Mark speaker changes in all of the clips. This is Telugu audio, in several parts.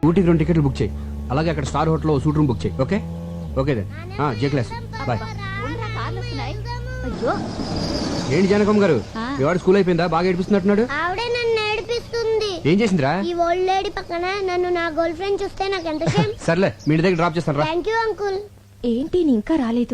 Speaker 1: ఊటీకి 2 టికెట్లు బుక్ చేయి. అలాగే అక్కడ స్టార్ హోటల్లో సూట్ రూమ్ బుక్ చేయి. Okay okay then. జే క్లాస్ బాయ్. ఏంటి జానకమ్మ గారు, మీ వాడు స్కూల్ అయిపోయిందా? బాగా ఏడిపిస్తున్నట్టున్నాడు.
Speaker 2: ఆవిడే నన్ను ఏడిపిస్తుంది.
Speaker 1: ఏం చేసిందిరా?
Speaker 2: ఈ ఓల్డ్ లేడీ పక్కన నన్ను నా గర్ల్ ఫ్రెండ్ చూస్తే నాకు ఎంత షేమ్.
Speaker 1: సర్లే, మీ ఇంటి దగ్గర డ్రాప్ చేస్తాను రా.
Speaker 2: Thank you uncle.
Speaker 3: ఏంటి నీ ఇంకా రాలేదు?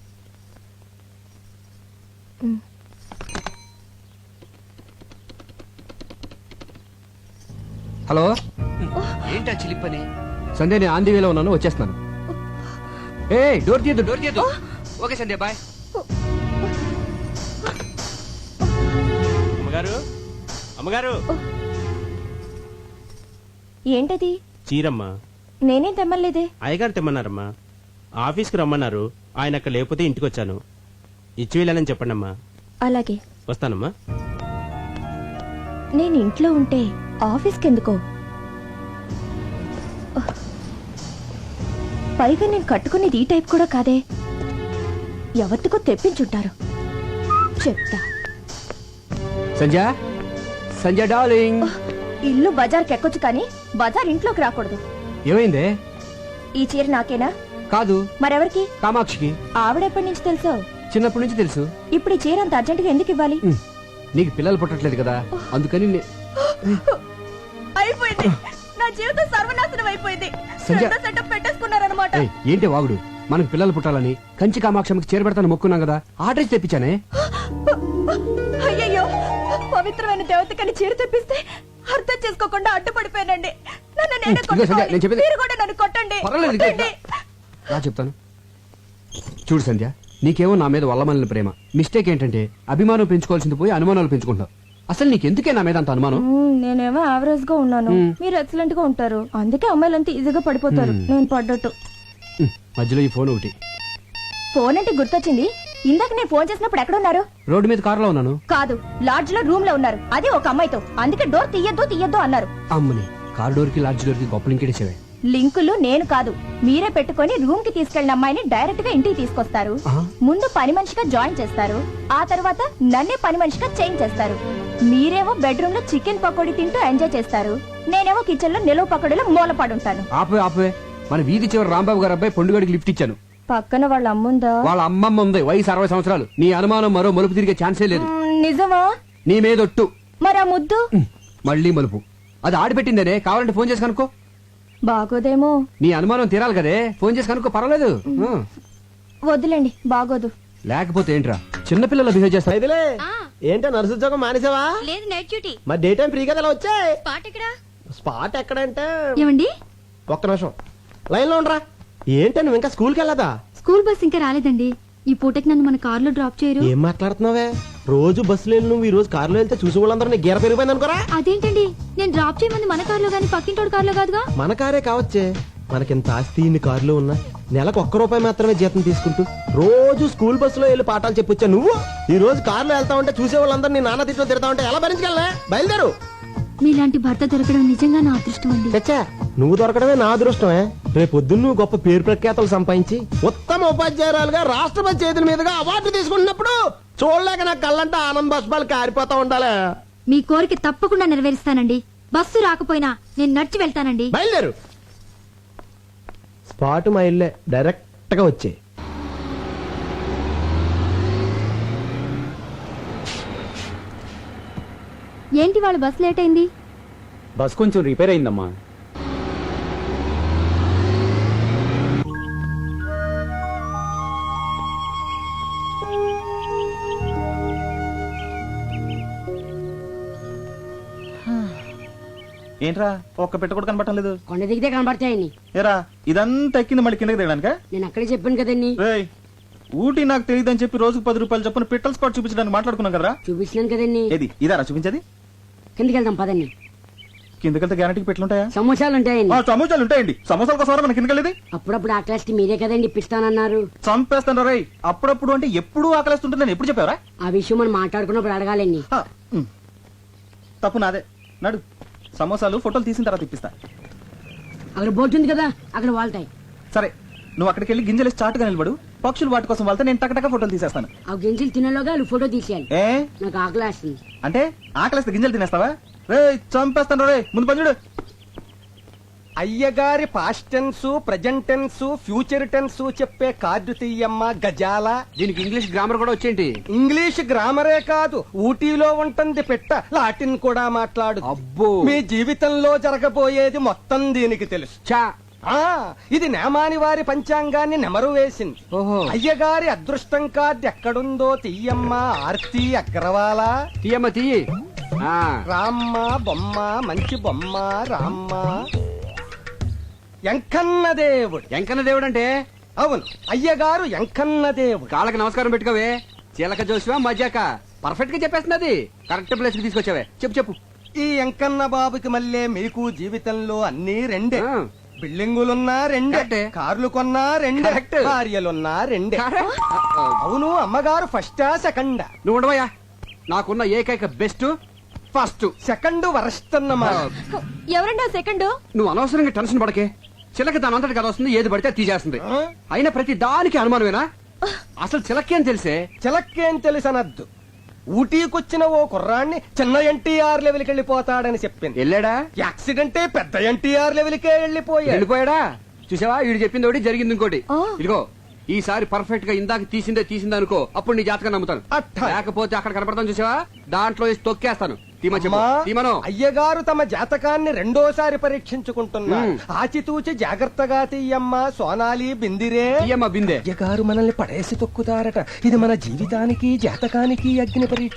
Speaker 1: హలో, ఏంటా చిలిపని? సంధ్య, నేను ఆంధీ వేలో ఉన్నాను, వచ్చేస్తున్నాను. ఏ డోర్ తీయద్దు, డోర్ తీయద్దు. Okay Sandhya bye.
Speaker 4: అమ్మగారు, అమ్మగారు.
Speaker 3: ఏంటది?
Speaker 4: చీరమ్మా.
Speaker 3: నేనేం తెమ్మలేదే.
Speaker 4: అయ్యగారు తెమ్మన్నారమ్మా. ఆఫీస్కి రమ్మన్నారు, ఆయన అక్కడ లేకపోతే ఇంటికి వచ్చాను. ఇచ్చి వెళ్ళానని చెప్పండి అమ్మా.
Speaker 3: అలాగే
Speaker 4: వస్తానమ్మా.
Speaker 3: నేను ఇంట్లో ఉంటే ఆఫీస్కి ఎందుకో? పైగా నేను కట్టుకునేది ఈ టైప్ కూడా కాదే. ఎవరికో తెప్పించుంటారు, చెప్తా.
Speaker 1: సంధ్య, సంధ్య డార్లింగ్.
Speaker 3: ఇల్లు బజార్కి ఎక్కొచ్చు కానీ బజార్ ఇంట్లోకి రాకూడదు.
Speaker 1: ఏమైందే?
Speaker 3: ఈ చీర నాకేనా?
Speaker 1: కాదు,
Speaker 3: మరెవరికి?
Speaker 1: కామాక్షికి.
Speaker 3: ఆవిడెప్పటి నుంచి తెలుసో?
Speaker 1: చిన్నప్పటి నుంచి తెలుసు.
Speaker 3: ఇప్పుడు ఈ చీర అంత అర్జెంటుగా ఎందుకు ఇవ్వాలి?
Speaker 1: నీకు పిల్లలు పుట్టట్లేదు కదా, అందుకని
Speaker 3: అయిపోయింది, నా జీవితం సర్వనాశనం అయిపోయింది. సెటప్ పెట్టేసుకున్నారన్నమాట.
Speaker 1: ఏంటి వాగుడు? మనకు పిల్లలు పుట్టాలని కంచి కామాక్షమికి చేరబెడతాను మొక్కున్నాం కదా, ఆర్డర్ తెప్పించానే.
Speaker 3: అయ్యయ్యో, పవిత్రమైన దేవతకని చీర తెప్పిస్తే అర్థం చేసుకోకుండా అడ్డుపడిపోయానండి. నన్ను నేనే కొట్టుకోవాలి. మీరు కూడా నన్ను కొట్టండి.
Speaker 1: రా చెప్తాను. చూడు సంధ్య, నీకేమో నా మీద వల్లమల్లిన ప్రేమ. మిస్టేక్ ఏంటంటే అభిమానం పెంచుకోవాల్సింది పోయి అనుమానాలు పెంచుకుంటావు. అసలు నీకెందుకే నా మీద అంత అనుమానం?
Speaker 3: నేనేమో యావరేజ్ గా ఉన్నాను, మీరు ఎక్సలెంట్ గా ఉంటారు. అందుకే అమ్మాయిలంతా ఈజీగా పడిపోతారు. నేను పడ్డట్టు.
Speaker 1: మధ్యలో ఈ ఫోన్ ఒకటి.
Speaker 3: ఫోన్ అంటే గుర్తొచ్చింది. ఇందాక నేను ఫోన్ చేసినప్పుడు ఎక్కడ ఉన్నారు?
Speaker 1: రోడ్డు మీద కారులో ఉన్నాను.
Speaker 3: కాదు, లాడ్జ్ లో రూమ్ లో ఉన్నారు. అది ఒక అమ్మాయితో. అందుకే డోర్ తీయద్దు అన్నారు.
Speaker 1: అమ్మని, కార్ డోర్ కి లాడ్జ్ డోర్ కి గొప్ప లింకేసేవే.
Speaker 3: లింకులు నేను కాదు, మీరే పెట్టుకొని రూమ్ కి తీసుకెళ్లిన అమ్మాయిని డైరెక్ట్ గా ఇంటికి తీసుకొస్తారు. ముందు పని మనిషిగా జాయిన్ చేస్తారు, ఆ తర్వాత నన్నే పని మనిషిగా చేంజ్ చేస్తారు. మీరేమో బెడ్రూమ్ లో చికెన్ పకోడీ తింటూ ఎంజాయ్ చేస్తారు, నేనేమో కిచెన్ లో నిలువ పకోడీలో మూలపడుంటాను.
Speaker 1: ఆపే, మన వీధి చివరి రాంబాబు గారు అబ్బాయి పొండుగడికి లిఫ్ట్ ఇచ్చాను.
Speaker 3: పక్కన వాళ్ళ అమ్ముందా?
Speaker 1: వాళ్ళ అమ్మమ్మ ఉంది, వయసు 60 సంవత్సరాలు. నీ అనుమానం మరో మలుపు తిరిగే ఛాన్సే లేదు.
Speaker 3: నిజమా?
Speaker 1: నీ మీదొట్టు.
Speaker 3: మరి ఆ ముద్దు?
Speaker 1: మళ్ళీ మలుపు. అది ఆడిపెట్టిందనే, కావాలంటే ఫోన్ చేసి కనుక్కో.
Speaker 3: బాగోదేమో.
Speaker 1: నీ అనుమానం తీరాలి కదే, ఫోన్ చేసి కనుక్కో, పర్వాలేదు.
Speaker 3: వద్దులేండి, బాగోదు.
Speaker 1: లేకపోతే ఏంట్రా చిన్నపిల్లలు బిహేవ్ చేస్తారు.
Speaker 5: ఏంటో నర్సు ఉద్యోగం మానేసావా?
Speaker 6: లేదు, నైట్ డ్యూటీ.
Speaker 5: మరి డే టైం ఫ్రీ కదా, ఎలా వచ్చాయి?
Speaker 6: స్పాట్ ఎక్కడ?
Speaker 5: స్పాట్ ఎక్కడంటే
Speaker 6: ఏమండి,
Speaker 5: ఒక్క నిమిషం లైన్ లో ఉండరా. ఏంటో నువ్వు ఇంకా స్కూల్కి వెళ్ళదా?
Speaker 6: స్కూల్ బస్ ఇంకా రాలేదండి. ఈ పూటకి నన్ను మన కార్ లో డ్రాప్ చేయరు.
Speaker 5: ఏం మాట్లాడుతున్నావే? రోజు బస్సులో వెళ్ళి నువ్వు ఈ రోజు కారులో వెళ్తే చూసి వాళ్ళందరూ నీ గీర పెరిగిపోయింది అనుకోరా.
Speaker 6: అదేంటండి, నేను డ్రాప్ చేయమంది మన కార్ లో గానీ పక్కింటోడు కార్ లో కాదుగా.
Speaker 5: మన కారే కావచ్చే, మనకింత ఆస్తి ఇన్ని కారులో ఉన్నా నెలకు ₹1 మాత్రమే జీతం తీసుకుంటూ రోజు స్కూల్ బస్సులో వెళ్ళి పాఠాలు చెప్పొచ్చా నువ్వు? ఈ రోజు కారులో వెళ్తా ఉంటే చూసే వాళ్ళందరూ నీ నాన్న తిట్లో తిడతా ఉంటే ఎలా భరించగలనే? బయలుదేరు.
Speaker 6: మీలాంటి భర్త దొరకడం నిజంగా నా అదృష్టం అండి.
Speaker 5: చచ్చా, నువ్వు దొరకడమే నా అదృష్టమే. రేపొద్దున్న నువ్వు గొప్ప పేరు ప్రఖ్యాతలు సంపాదించి ఉత్తమ ఉపాధ్యాయురాలుగా రాష్ట్రపతి చేతుల మీదుగా అవార్డు తీసుకుంటున్నప్పుడు చూడలేక నా కళ్ళంటే ఆనంద బాష్పాలు కారిపోతా ఉండాలి.
Speaker 6: మీ కోరిక తప్పకుండా నెరవేరుస్తానండి. బస్సు రాకపోయినా నేను నడిచి వెళ్తానండి.
Speaker 5: బయలుదేరు. స్పాట్ మా ఇల్లే, డైరెక్ట్ గా వచ్చే.
Speaker 6: ఏంటి వాళ్ళ బస్ లేట్ అయింది?
Speaker 1: బస్ కొంచెం రిపేర్ అయిందమ్మా.
Speaker 7: ఏంట్రా ఒక్క పెట్ట కూడా కనబడటం లేదు?
Speaker 8: కొండ దిగితే కనబడతాయని.
Speaker 7: ఏరా ఇదంతా ఎక్కింది మళ్ళీ కిందకి దిగడానిక?
Speaker 8: నేను అక్కడే చెప్పాను కదండి.
Speaker 7: ఊటీ నాకు తెలియదని చెప్పి రోజుకు ₹10 చొప్పున పిట్టల్ స్పాట్ చూపించడానికి మాట్లాడుకున్నాం కదరా.
Speaker 8: చూపించినాను కదండి.
Speaker 7: ఏది ఇదారా చూపించేది?
Speaker 8: కిందకి వెళ్దాం పదండి.
Speaker 7: కిందకెళ్తే గ్యారంటీకి పెట్లుంటాయా?
Speaker 8: సమోసాలు ఉంటాయండి.
Speaker 7: సమోసాలు ఉంటాయండి. సమోసాల కోసం మన కిందకెళ్ళేది.
Speaker 8: అప్పుడప్పుడు ఆకలిస్తే మీరే కదండి ఇప్పిస్తానన్నారు.
Speaker 7: చంపేస్తాను రై. అప్పుడప్పుడు అంటే ఎప్పుడు ఆకలిస్తుంటే నేను ఎప్పుడు చెప్పావరా?
Speaker 8: ఆ విషయం మనం మాట్లాడుకున్నప్పుడు అడగాలండి.
Speaker 7: తప్పు నాదే. నడు, సమోసాలు ఫోటోలు తీసిన తర్వాత ఇప్పిస్తా.
Speaker 8: అక్కడ బోట్ ఉంది కదా, అక్కడ వాళ్తాయి.
Speaker 7: సరే, నువ్వు అక్కడికి వెళ్ళి గింజలు చాటుగా నిలబడు. పక్షులు వాటి కోసం వెళ్తే నేను టకటక ఫోటోలు తీసేస్తాను.
Speaker 8: ఆ గింజలు తినలోగా వాళ్ళు ఫోటో తీసేయాలి. నాకు ఆకలి వేస్తుంది.
Speaker 7: అంటే ఆకలిస్తే గింజలు తినేస్తావా? రే చంపేస్తాను రే. ముందు పని చూడు.
Speaker 5: అయ్యగారి past tense present tense future tense చెప్పే కార్డు తీయమ్మా గజాల.
Speaker 1: దీనికి ఇంగ్లీష్ గ్రామర్ కూడా వచ్చేంటి?
Speaker 5: ఇంగ్లీష్ గ్రామరే కాదు, ఊటీలో ఉంటుంది పెట్ట, లాటిన్ కూడా మాట్లాడు.
Speaker 1: అబ్బో.
Speaker 5: మీ జీవితంలో జరగబోయేది మొత్తం దీనికి తెలుసు.
Speaker 1: చా.
Speaker 5: ఇది నేమాని వారి పంచాంగాన్ని నెమరు వేసింది.
Speaker 1: ఓహో.
Speaker 5: అయ్యగారి అదృష్టం కార్డు ఎక్కడుందో తీయమ్మా ఆర్తి అగ్రవాల.
Speaker 1: తీయమ్మ తీయి.
Speaker 5: రామ్మ బొమ్మ మంచి బొమ్మ రామ్మ. ఎంకన్న దేవుడు.
Speaker 1: ఎంకన్న దేవుడు అంటే?
Speaker 5: అవును, అయ్యగారు ఎంకన్న దేవుడు.
Speaker 1: కాళ్ళకి నమస్కారం పెట్టుకోవే. చిలక జోసివా మజాక పర్ఫెక్ట్ గా చెప్పేస్తున్నది. కరెక్ట్ ప్లేస్ కి తీసుకొచ్చావే. చెప్పు చెప్పు.
Speaker 5: ఈ ఎంకన్న బాబుకి మళ్ళీ మీకు జీవితంలో అన్ని రెండే.
Speaker 1: ఆ.
Speaker 5: బిల్డింగులున్నా రెండే,
Speaker 1: కరెక్టే.
Speaker 5: కార్లు కొన్నా రెండే,
Speaker 1: కరెక్ట్.
Speaker 5: భార్యలున్నా రెండే. అవును, అమ్మగారు ఫస్టా సెకండా?
Speaker 1: నువ్వు ఉండవయ్యా. నాకున్న ఏకైక బెస్ట్ ఫస్ట్.
Speaker 5: సెకండ్ వరస్ట్ అన్నమాట.
Speaker 3: ఎవరండి సెకండ్?
Speaker 1: నువ్వు అనవసరంగా టెన్షన్ పడకే. చిలక దాని అంతటి కదా వస్తుంది, ఏది పడితే అది తీసేస్తుంది. అయినా ప్రతి దానికి అనుమానమేనా? అసలు చిలకేం తెలిసే?
Speaker 5: చిలక్కేం తెలుసనద్దు. ఊటీకొచ్చిన ఓ కుర్రాన్ని చిన్న ఎన్టీఆర్ లెవెల్కి వెళ్ళిపోతాడని చెప్పింది.
Speaker 1: వెళ్ళాడా?
Speaker 5: యాక్సిడెంటే పెద్ద ఎన్టీఆర్ లెవెల్కే వెళ్ళిపోయాడు.
Speaker 1: వెళ్ళిపోయాడా? చూసావా, వీడు చెప్పింది ఒకటి జరిగింది ఇంకోటి.
Speaker 3: ఆ.
Speaker 1: ఇదిగో ఈసారి పర్ఫెక్ట్ గా ఇందాక తీసిందే అనుకో, అప్పుడు నీ జాతకం నమ్ముతాను.
Speaker 5: అట్టా.
Speaker 1: లేకపోతే అక్కడ కనపడతాను చూసావా, దాంట్లో వేసి తొక్కేస్తాను.
Speaker 5: అమ్మా, అయ్యగారు తమ జాతకాన్ని రెండోసారి పరీక్షించుకుంటున్నారు. ఆచితూచి జాగ్రత్తగా తీయమ్మా సోనాలి బిందిరే.
Speaker 1: తీయమ్మ బిందే.
Speaker 5: అయ్యగారు మనల్ని పడేసి తొక్కుతారట. ఇది మన జీవితానికి జాతకానికి అగ్ని పరీక్ష.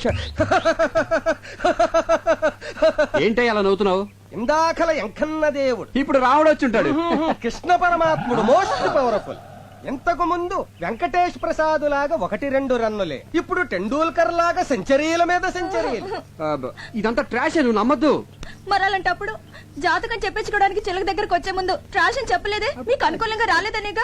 Speaker 1: ఏంటో అలా నవ్వుతున్నావు?
Speaker 5: ఇందాకల ఎంకన్న దేవుడు,
Speaker 1: ఇప్పుడు రావుడు వచ్చి ఉంటాడు.
Speaker 5: కృష్ణ పరమాత్ముడు మోస్ట్ పవర్ఫుల్. ఇంతకు ముందు వెంకటేష్ ప్రసాద్ లాగా 1-2 రన్నులే, ఇప్పుడు టెండూల్కర్ లాగా సెంచరీల మీద సెంచరీలు.
Speaker 1: ఇదంతా ట్రాష్, నువ్వు నమ్మద్దు.
Speaker 3: మరి అలాంటప్పుడు జాతకం చెప్పించుకోవడానికి చిలక దగ్గరకు వచ్చే ముందు ట్రాష్ అని చెప్పలేదే? మీకు అనుకూలంగా రాలేదనేగా?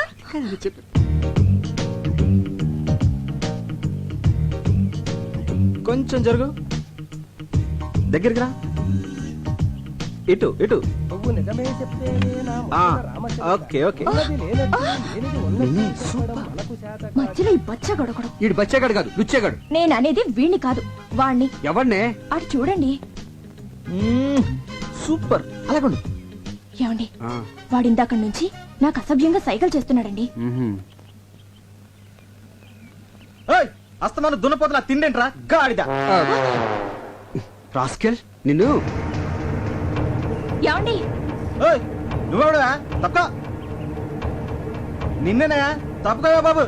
Speaker 7: కొంచెం జరుగు, దగ్గరికి రా. ఇటు ఇటు.
Speaker 5: నువ్వు నిజమే చెప్తేనే నా
Speaker 7: ఆ,
Speaker 5: మొదట రామచంద్ర.
Speaker 7: Okay okay.
Speaker 5: ఉన్నది లేనట్టు, లేనిది ఉన్నట్టు చెప్పడం మనకు చేత కాదు.
Speaker 3: మధ్యలో ఈ బచ్చ గొడగడం.
Speaker 1: వీడు బచ్చేగాడు కాదు, లుచ్చేగాడు.
Speaker 3: నేను అనేది వీణ్ణి కాదు, వాణ్ణి.
Speaker 1: ఎవరినే?
Speaker 3: అటు చూడండి.
Speaker 7: సూపర్, అలాగండు.
Speaker 3: ఏమండి, వాడిందాక నుంచి నాకు అసభ్యంగా సైకిల్ చేస్తున్నాడండి.
Speaker 7: అస్తమాను దున్నపోతున్నా తిండేంట్రా గాడిద.
Speaker 1: రాస్కెల్ నిన్ను.
Speaker 3: ఏమండి,
Speaker 7: నువ్వెవడా? తప్ప నిన్నేనా? తప్పుకోవా బాబు.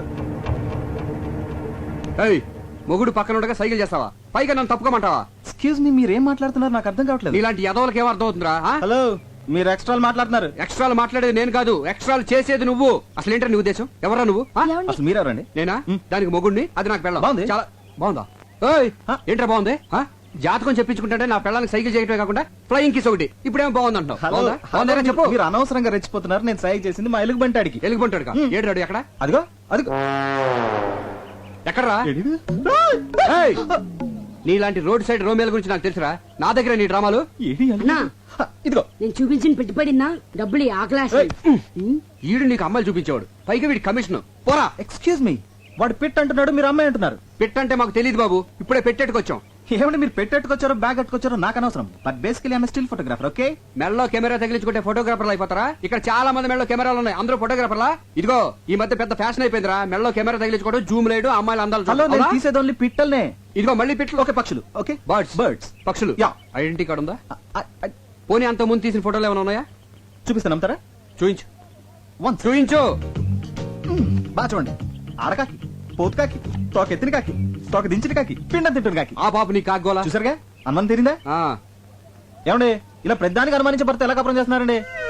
Speaker 1: ఏయ్, మొగుడు పక్కన ఉండగా సైకిల్ చేస్తావా? పైగా నన్ను తప్పుకోమంటావా?
Speaker 7: ఎక్స్క్యూజ్ మీ, మీరేం మాట్లాడుతున్నారు నాకు అర్థం కావట్లేదు.
Speaker 1: నీలాంటి యదవులకి ఏం అర్థం అవుతుందిరా?
Speaker 7: హలో, మీరు ఎక్స్ట్రాలు మాట్లాడుతున్నారు.
Speaker 1: ఎక్స్ట్రాలు మాట్లాడేది నేను కాదు, ఎక్స్ట్రాలు చేసేది నువ్వు. అసలు ఏంటో నీ ఉద్దేశం? ఎవరా నువ్వు?
Speaker 3: ఏమండి?
Speaker 7: అసలు మీరెవరండి?
Speaker 1: నేనా? దానికి మొగుడిని, అది నాకు పెళ్ళం.
Speaker 7: బాగుంది.
Speaker 1: చాలా బాగుందా? ఏయ్, ఏంట్రా బాగుంది? జాతకం చెప్పించుకుంటే నా పెళ్ళానికి సైకిల్ చేయటమే కాకుండా ఫ్లయింగ్ కిస్ ఒకటి. ఇప్పుడేమో బాగుంది అంటావు.
Speaker 7: హలో,
Speaker 1: బాగుందా చెప్పు.
Speaker 7: మీరు అనవసరంగా రెచ్చిపోతున్నారు. నేను సైకి చేసింది మా ఎలుగు బంటాడికి.
Speaker 1: ఎలుగుబంటాడు ఏడు ఎక్కడ?
Speaker 7: అదిగో అదిగో.
Speaker 1: ఎక్కడరా? ఏయ్, నీలాంటి రోడ్ సైడ్ రోమేల గురించి నాకు తెలుసురా. నా దగ్గర నీ డ్రామాలు.
Speaker 8: అన్నా,
Speaker 7: ఇదిగో
Speaker 8: నేను చూపించిన పెట్టుబడినా డబ్బులు ఆ క్లాస్.
Speaker 1: ఈడు నీకు అమ్మాయిలు చూపించేవాడు, పైగా వీడి కమిషన్. పోరా.
Speaker 7: ఎక్స్క్యూజ్ మీ, వాడు పిట్ అంటున్నాడు, మీరు అమ్మాయి అంటున్నారు.
Speaker 1: పెట్టంటే మాకు తెలియదు బాబు, ఇప్పుడే పెట్టేట్టుకొచ్చాం.
Speaker 7: ఏమంటే మీరు పెట్టెట్టుకొచ్చారో బ్యాగ్ కట్టుకొచ్చారో నాకు అనవసరం. But basically I'm still photographer. Okay,
Speaker 1: మెడలో కెమెరా తగిలించుకుంటే ఫోటోగ్రాఫర్లు అయిపోతారా? ఇక్కడ చాలా మంది మెడలో కెమెరాలు ఉన్నాయి, అందరూ ఫోటోగ్రాఫర్లా? ఇదిగో ఈ మధ్య పెద్ద ఫ్యాషన్ అయిపోయిందిరా మెడలో కెమెరా తగిలించుకోవడం, జూమ్ లేడు, అమ్మాయిలు అందాలు
Speaker 7: హలో,
Speaker 1: చూడడం.
Speaker 7: నేను
Speaker 1: అవునా?
Speaker 7: తీసేది ఓన్లీ పిట్టల్నే.
Speaker 1: ఇదిగో మళ్ళీ పిట్లు.
Speaker 7: ఓకే, పక్షులు. Okay,
Speaker 1: birds.
Speaker 7: బర్డ్స్.
Speaker 1: పక్షులు.
Speaker 7: యా.
Speaker 1: ఐడెంటిటీ కార్డు ఉందా? పోనీ అంత ముందు తీసిన ఫోటోలు ఏమైనా ఉన్నాయా?
Speaker 7: చూపిస్తాను, నమ్ముతారా?
Speaker 1: చూయించు.
Speaker 7: వన్స్.
Speaker 1: చూయించు.
Speaker 7: బాగా చూడండి. ఆడకాకి, పోతు కాకి, తోక ఎత్తిన కాకి, తోక దించిన కాకి, పిండం తింటున్న కాకి.
Speaker 1: ఆ పాప నీ కాగోలా.
Speaker 7: చూసారుగా, అనుమానం తీరిందా?
Speaker 1: ఆ.
Speaker 7: ఏమండి, ఇలా ప్రతిదానికి అనుమానించే భర్త ఎలా కపరం చేస్తున్నారండి?